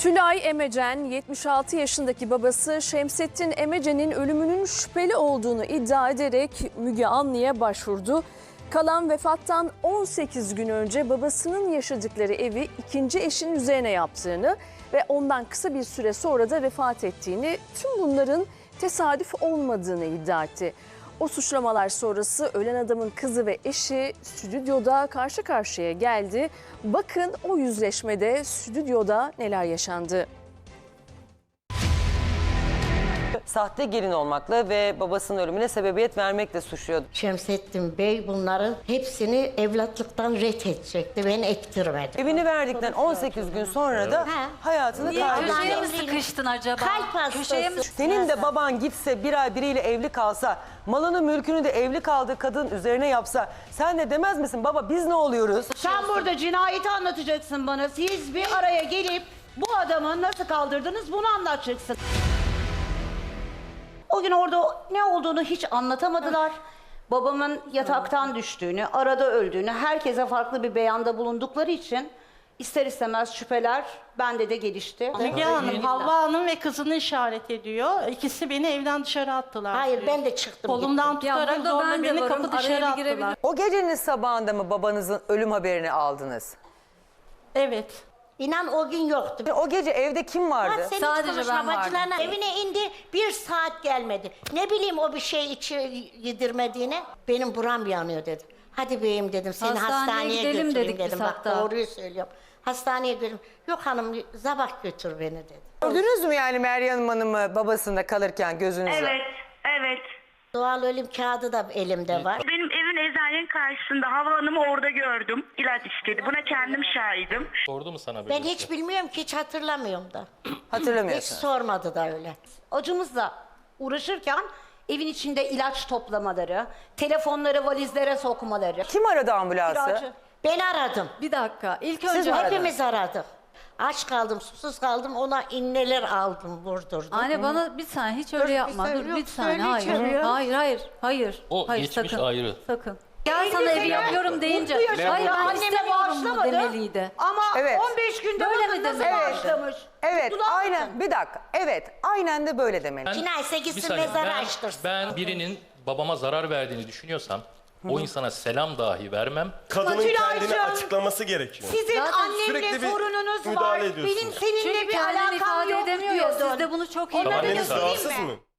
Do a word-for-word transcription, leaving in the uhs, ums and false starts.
Tülay Emecen, yetmiş altı yaşındaki babası Şemsettin Emecen'in ölümünün şüpheli olduğunu iddia ederek Müge Anlı'ya başvurdu. Kalan vefattan on sekiz gün önce babasının yaşadıkları evi ikinci eşinin üzerine yaptığını ve ondan kısa bir süre sonra da vefat ettiğini, tüm bunların tesadüf olmadığını iddia etti. O suçlamalar sonrası ölen adamın kızı ve eşi stüdyoda karşı karşıya geldi. Bakın o yüzleşmede stüdyoda neler yaşandı. Sahte gelin olmakla ve babasının ölümüne sebebiyet vermekle suçluyordu. Şemsettin Bey bunların hepsini evlatlıktan ret edecekti. Ben ettirmedim. Evini verdikten on sekiz gün sonra da Ha. hayatını Niye? kaybetti. Köşeye mi sıkıştın acaba? Kalp hastası. Köşeye mi? Senin de baban gitse bir ay biriyle evli kalsa, malını mülkünü de evli kaldığı kadın üzerine yapsa, sen de demez misin baba biz ne oluyoruz? Sen burada cinayeti anlatacaksın bana. Siz bir araya gelip bu adamı nasıl kaldırdınız bunu anlatacaksın. O gün orada ne olduğunu hiç anlatamadılar. Babamın yataktan düştüğünü, arada öldüğünü, herkese farklı bir beyanda bulundukları için ister istemez şüpheler bende de gelişti. Müge Hanım, Havva Hanım ve kızını işaret ediyor. İkisi beni evden dışarı attılar. Hayır diyor. ben de çıktım. Kolumdan gittim. Ya tutarak burada zorla ben de beni varım, kapı araya dışarı bir girebilir- attılar. O gecenin sabahında mı babanızın ölüm haberini aldınız? Evet. İnan o gün yoktu. O gece evde kim vardı? Ha, sen hiç Sadece konuşma, ben vardım. bacılarına evine indi, bir saat gelmedi. Ne bileyim o bir şey içi yedirmediğini. Benim buram yanıyor dedi. Hadi beyim dedim, seni Hastaneye hastaneye, gidelim götüreyim dedik biz dedim. Bak hatta. doğruyu söylüyorum. Hastaneye götürüm. Yok hanım sabah götür beni dedi. Gördünüz mü yani Meryem Hanım'ı babasında kalırken gözünüzle? Evet, evet. Doğal ölüm kağıdı da elimde var. Benim evin eczanenin karşısında Hava Hanım'ı orada gördüm. İlaç istedi. Buna kendim şahidim. Sordu mu sana böyle Ben bir hiç şey? bilmiyorum ki, hiç hatırlamıyorum da. Hiç Hatırlamıyorsun. sormadı da öyle. Acımızla uğraşırken evin içinde ilaç toplamaları, telefonları valizlere sokmaları. Kim aradı ambulansı? Kiracı. Ben aradım. Bir dakika. İlk Siz önce mi aradınız? Hepimiz aradık. Aç kaldım, susuz kaldım. Ona inneler aldım, vurdurdum. Anne bana bir saniye hiç öyle Dur, bir yapma. söyle- Dur bir yok, saniye. söyle Hayır. içeriye. Hayır, hayır, hayır. O hayır, geçmiş sakın. ayrı. Sakın. Gel sana evi yapıyorum deyince. Mutlu yaşamda Hayır ben anneme istemiyorum mu bağışlamadı. demeliydi. Ama Evet. on beş günde Böyle bakın mi nasıl demeli? bağışlamış. Evet, Mutlular aynen. mısın? Bir dakika. Evet, aynen de böyle demeli. Ben- Cinayetse bir gitsin saniye, mezarı ben, açtırsın. ben birinin babama zarar verdiğini düşünüyorsam o insana selam dahi vermem. Kadının Tülay'cığım, kendini açıklaması gerekiyor. Sizin Zaten annemle sürekli bir sorununuz var. müdahale ediyorsunuz. Benim seninle Çünkü bir kendini alakam ifade yok edemiyor ya. diyordun. Siz de bunu çok iyi Onları Anneniz göstereyim rahatsız mi? mı?